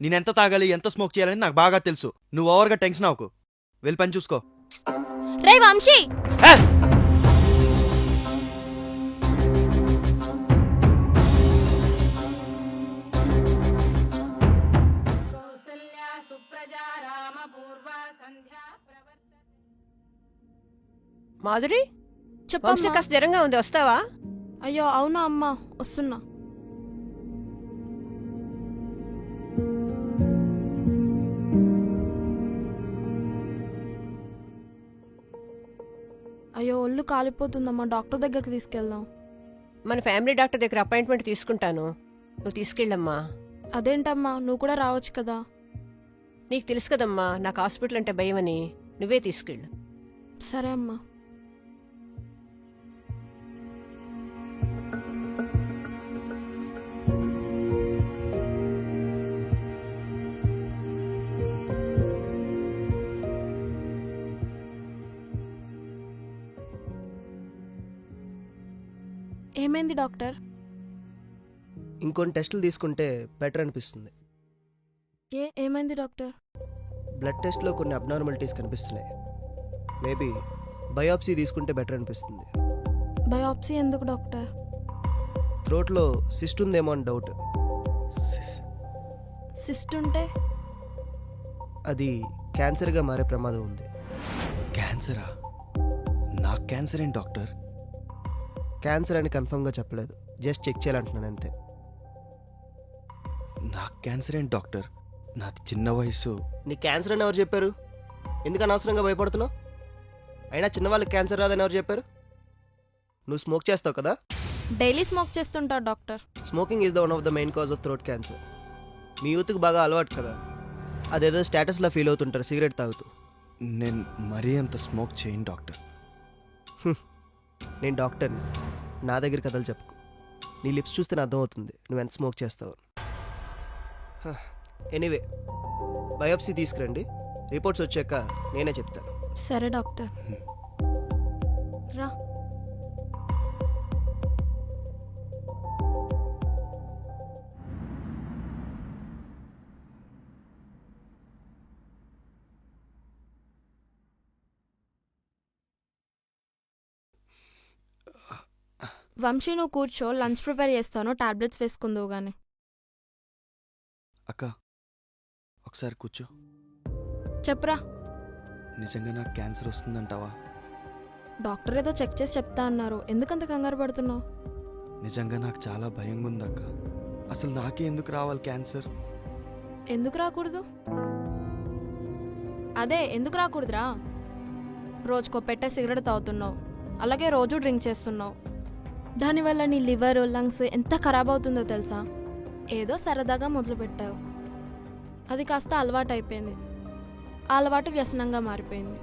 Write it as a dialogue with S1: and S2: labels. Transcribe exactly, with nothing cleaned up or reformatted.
S1: నేనెంత తాగాలి, ఎంత స్మోక్ చేయాలని నాకు బాగా తెలుసు. నువ్వు ఓవర్గా టెన్షన్ అవ్వకు. వెళ్ళి పని చూసుకో.
S2: రే వంశీ,
S1: ఏ!
S3: మాధురి, వంశీ
S2: చెప్పమ్మా.
S3: కాస్త జ్వరంగా ఉంది, వస్తావా?
S2: అయ్యో అవునా అమ్మా, వస్తున్నా. అయ్యో ఒళ్ళు కాలిపోతుందమ్మా, డాక్టర్ దగ్గరికి తీసుకెళ్దాం.
S3: మన ఫ్యామిలీ డాక్టర్ దగ్గర అపాయింట్మెంట్ తీసుకుంటాను, నువ్వు తీసుకెళ్ళమ్మా.
S2: అదేంటమ్మా, నువ్వు కూడా రావచ్చు కదా.
S3: నీకు తెలుసు కదమ్మా నాకు హాస్పిటల్ అంటే భయమని, నువ్వే తీసుకెళ్ళు.
S2: సరే అమ్మా. ఏమైంది డాక్టర్?
S4: ఇంకొన్ని టెస్టులు తీసుకుంటే బెటర్ అనిపిస్తుంది.
S2: ఏ ఏమైంది డాక్టర్?
S4: బ్లడ్ టెస్ట్లో కొన్ని అబ్నార్మాలిటీస్ కనిపిస్తున్నాయి. మేబీ బయాప్సీ తీసుకుంటే బెటర్ అనిపిస్తుంది.
S2: బయాప్సీ ఎందుకు డాక్టర్?
S4: థ్రోట్లో సిస్ట్ ఉందేమో అని డౌట్.
S2: సిస్ట్ ఉంటే?
S4: అది క్యాన్సర్గా మారే ప్రమాదం ఉంది.
S1: క్యాన్సరా? నాకు క్యాన్సర్ ఏంటి డాక్టర్?
S4: క్యాన్సర్ అని కన్ఫర్మ్గా చెప్పలేదు, జస్ట్ చెక్ చేయాలంటున్నాను అంతే.
S1: నాకు క్యాన్సర్ ఏంటి డాక్టర్? నాది చిన్న వయసు.
S4: నీ క్యాన్సర్ అని ఎవరు చెప్పారు? ఎందుకు అనవసరంగా భయపడుతున్నావు? అయినా చిన్నవాళ్ళకి క్యాన్సర్ రాదని ఎవరు చెప్పారు? నువ్వు స్మోక్ చేస్తావు కదా.
S2: డైలీ స్మోక్ చేస్తుంటా doctor.
S4: Smoking is the one of the main cause of throat cancer. మీ యూత్కి బాగా అలవాటు కదా, అదేదో స్టేటస్లో ఫీల్ అవుతుంటారు సిగరెట్ తాగుతూ.
S1: నేను మరీ అంత స్మోక్ చేయను డాక్టర్.
S4: నేను డాక్టర్ని, నా దగ్గర కథలు చెప్పుకో. నీ లిప్స్ చూస్తే అర్థమవుతుంది నువ్వు ఎంత స్మోక్ చేస్తావు. ఎనీవే, బయోప్సీ తీసుకురండి, రిపోర్ట్స్ వచ్చాక నేనే చెప్తాను.
S2: సరే డాక్టర్. రా. వంశీ నువ్వు కూర్చో, లంచ్ ప్రిపేర్ చేస్తాను, టాబ్లెట్స్ వేసుకుందువు గాని.
S1: అక్క ఒకసారి కూర్చో.
S2: చెప్పరా.
S1: నిజంగా నాకు క్యాన్సర్ వస్తుందంటావా?
S2: డాక్టర్ ఏదో చెక్ చేసి చెప్తా అన్నారు, ఎందుకంత కంగారు పడుతున్నావు?
S1: నిజంగా నాకు చాలా భయంగా ఉంది అక్క. అసలు నాకే ఎందుకు రావాలి క్యాన్సర్?
S2: ఎందుకు రాకూడదు? అదే ఎందుకు రాకూడదురా. రోజుకో పెట్టే సిగరెట్ తాగుతున్నావు, అలాగే రోజు డ్రింక్ చేస్తున్నావు. దానివల్ల నీ లివర్, లంగ్స్ ఎంత ఖరాబ్ అవుతుందో తెలుసా? ఏదో సరదాగా మొదలుపెట్టావు, అది కాస్త అలవాటు అయిపోయింది. ఆ అలవాటు వ్యసనంగా మారిపోయింది.